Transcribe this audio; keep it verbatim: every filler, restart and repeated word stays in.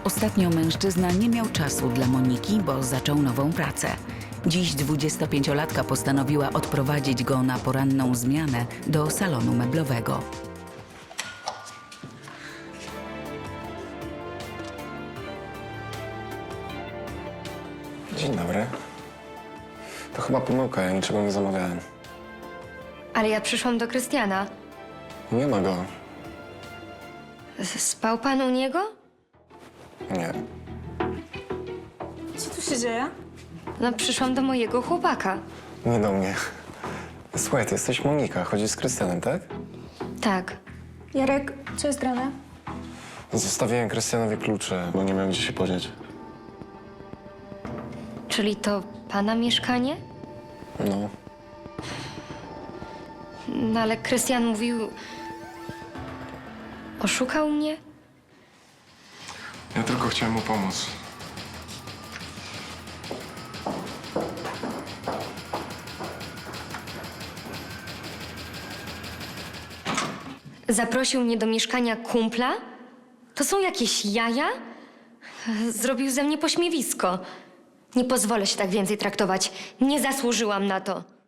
Ostatnio mężczyzna nie miał czasu dla Moniki, bo zaczął nową pracę. Dziś dwudziestopięciolatka postanowiła odprowadzić go na poranną zmianę do salonu meblowego. Dzień dobry. To chyba pomyłka, ja niczego nie zamawiałem. Ale ja przyszłam do Krystiana. Nie ma go. S- Spał pan u niego? Nie. Co tu się dzieje? No, przyszłam do mojego chłopaka. Nie do mnie. Słuchaj, ty jesteś Monika, chodzisz z Krystianem, tak? Tak. Jarek, co jest grane? Zostawiłem Krystianowi klucze, bo nie miałem gdzie się podzieć. Czyli to pana mieszkanie? No. No ale Krystian mówił... Oszukał mnie? Ja tylko chciałem mu pomóc. Zaprosił mnie do mieszkania kumpla? To są jakieś jaja? Zrobił ze mnie pośmiewisko. Nie pozwolę się tak więcej traktować. Nie zasłużyłam na to.